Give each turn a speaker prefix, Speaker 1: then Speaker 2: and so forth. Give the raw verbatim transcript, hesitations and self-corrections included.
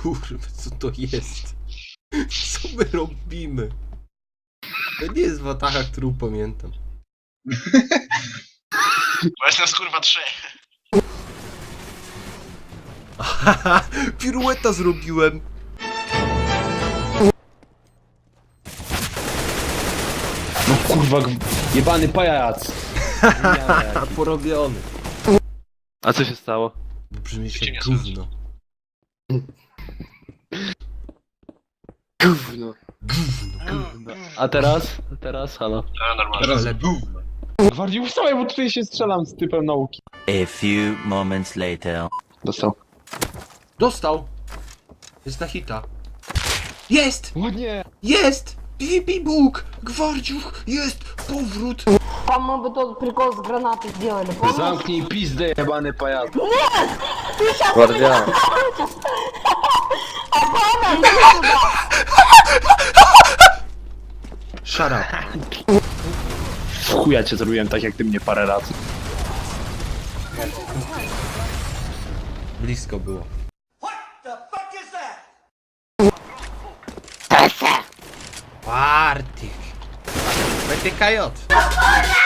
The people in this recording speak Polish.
Speaker 1: Kurwa, co to jest? Co my robimy? To nie jest wataha, którą pamiętam.
Speaker 2: Bo jest nas kurwa trzech.
Speaker 1: Haha, pirueta zrobiłem.
Speaker 3: No kurwa, jebany pajac.
Speaker 1: A porobiony.
Speaker 3: A co się stało?
Speaker 1: Brzmisz
Speaker 2: Cię
Speaker 1: jak
Speaker 2: nie
Speaker 1: gówno.
Speaker 3: Gówno.
Speaker 1: Gówno.
Speaker 3: A teraz? A teraz? Halo.
Speaker 2: No normalnie.
Speaker 1: Teraz lepiej.
Speaker 3: Bardziej wstawaj, bo tutaj się strzelam z typem nauki.
Speaker 4: A few moments later.
Speaker 3: Dostał.
Speaker 1: Dostał. Jest na hita. Jest!
Speaker 3: O nie!
Speaker 1: Jest! PvP Bóg! Gwardziuch! Jest! Powrót!
Speaker 5: Там мы бы тот прикол с гранатой сделали, помнишь?
Speaker 3: Zamknij pizdę, jebany pajac.
Speaker 6: Guardian.
Speaker 1: Shut up.
Speaker 3: W chuja cię zrobiłem tak jak ty mnie parę razy.
Speaker 1: Blisko było. Party. B T K J.